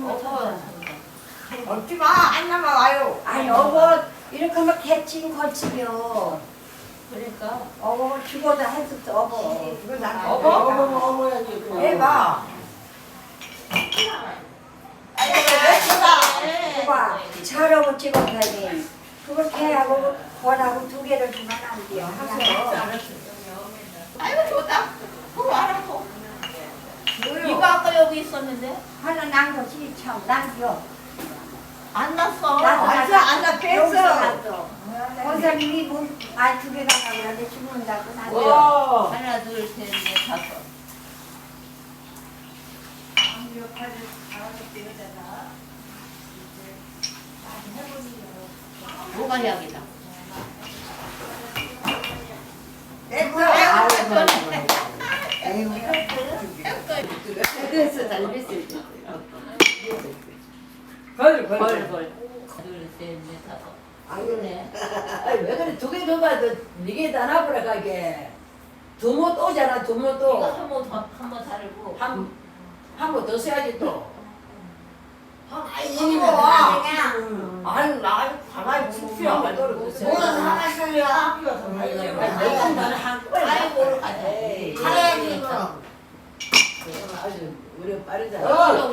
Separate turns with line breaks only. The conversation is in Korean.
먹지 마. 안 남아와요.
아니 어버 이렇게 하면 개칭 걸치며
그러니까
어버 죽어도 해도 어버
이거 나
어머야지.
해봐.
그거 저러고 찍어야지 그걸 개하고 권하고 두 개를 주면 안 돼요 하세요.
아이고 좋다. 그거 알아서. 이거 아까 여기 있었는데
하나 난 것이 참 난겨
안 났어.
완전 안
여기서
뺐어.
났어 원사님이 뭐두 개가 나가는데 죽는다고 난겨
와.
하나 둘셋넷 다섯. 뭐가 약이다.
그래서 잘 됐을 때.
벌벌. 둘셋넷 다섯.
아유네. 왜 그래 두 개 줘봐. 네개 다 놔버려 가게. 두모 또 오잖아. 두모
이거
또.
한번 다르고.
한 번 더 써야지 또.
이거 와. 아니 나 가만히 춥지야. 뭐는 하나 써야.
아이고 가자.
가야지.
아주 우리 빠르다.
어.